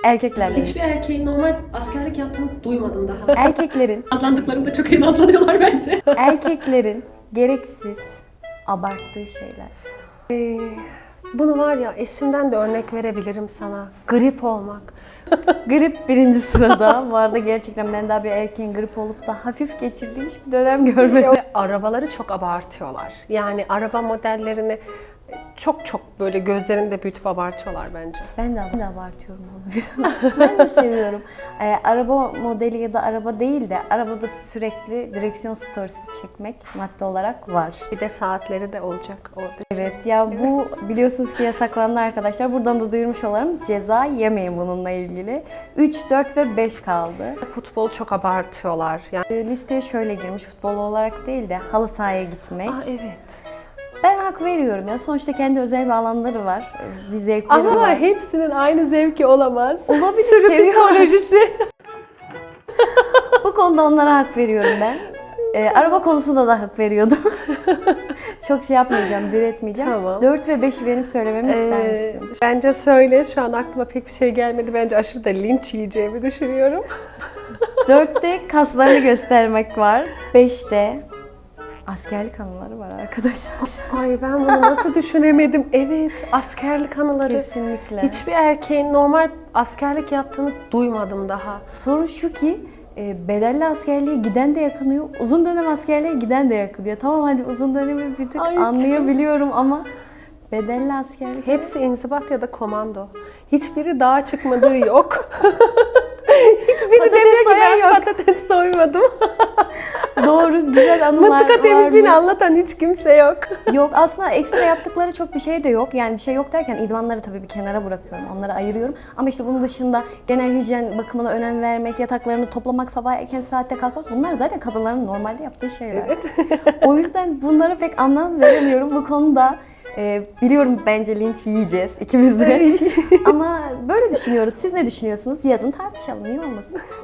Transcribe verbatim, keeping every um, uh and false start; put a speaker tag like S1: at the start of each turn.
S1: Erkeklerle.
S2: Hiçbir erkeğin normal askerlik yaptığını duymadım daha.
S1: Erkeklerin,
S2: Nazlandıklarında çok iyi nazlanıyorlar bence.
S1: erkeklerin gereksiz abarttığı şeyler.
S2: Ee, bunu var ya eşimden de örnek verebilirim sana. Grip olmak.
S1: Grip birinci sırada. Bu arada gerçekten ben daha bir erkeğin grip olup da hafif geçirdiğim hiçbir dönem görmedim.
S2: Arabaları çok abartıyorlar. Yani araba modellerini çok çok böyle gözlerinde büyütüp abartıyorlar bence.
S1: Ben de, ben de abartıyorum onu biraz. Ben de seviyorum. Ee, araba modeli ya da araba değil de arabada sürekli direksiyon storiesi çekmek madde olarak var.
S2: Bir de saatleri de olacak orada.
S1: Evet ya bu biliyorsunuz ki yasaklandı arkadaşlar. Buradan da duyurmuş olalım. Ceza yemeyin bununla ilgili. üç, dört ve beş kaldı.
S2: Futbolu çok abartıyorlar. Yani
S1: Ee, Listeye şöyle girmiş futbol olarak değil de halı sahaya gitmek.
S2: Aa, evet.
S1: Ben hak veriyorum ya. Sonuçta kendi özel bir alanları var. Bir zevkleri
S2: Ama
S1: var.
S2: hepsinin aynı zevki olamaz.
S1: Olabilir,
S2: Sürü
S1: seviyorum.
S2: psikolojisi.
S1: Bu konuda onlara hak veriyorum ben. Ee, araba konusunda da hak veriyordum. Çok şey yapmayacağım, diretmeyeceğim.
S2: Tamam.
S1: dört ve beşi benim söylememi ister
S2: Ee,
S1: misin?
S2: bence söyle. Şu an aklıma pek bir şey gelmedi. Bence aşırı da linç yiyeceğimi düşünüyorum.
S1: dörtte kaslarını göstermek var. beşte askerlik anıları var arkadaşlar.
S2: Ay ben bunu nasıl düşünemedim? Evet, askerlik anıları.
S1: Kesinlikle.
S2: Hiçbir erkeğin normal askerlik yaptığını duymadım daha.
S1: Sorun şu ki e, bedelli askerliğe giden de yakınıyor, uzun dönem askerliğe giden de yakınıyor. Tamam hadi uzun dönemi bir tık
S2: Ay,
S1: anlayabiliyorum ama bedelli askerlik...
S2: Hepsi inzibat ya da komando. Hiçbiri dağa çıkmadığı yok. Hiçbiri
S1: Patates
S2: demiyor ki
S1: soyan
S2: ben
S1: yok.
S2: patates soymadım.
S1: Doğru, güzel anılar
S2: Mıntıka
S1: var
S2: temizliğini
S1: mı?
S2: anlatan hiç kimse yok.
S1: Yok aslında ekstra yaptıkları çok bir şey de yok. Yani bir şey yok derken idmanları tabii bir kenara bırakıyorum. Onları ayırıyorum. Ama işte bunun dışında genel hijyen bakımına önem vermek, yataklarını toplamak, sabah erken saatte kalkmak bunlar zaten kadınların normalde yaptığı şeyler. O yüzden bunlara pek anlam veremiyorum. Bu konuda e, biliyorum bence linç yiyeceğiz ikimiz de. Ama böyle düşünüyoruz. Siz ne düşünüyorsunuz? Yazın tartışalım. Niye olmasın?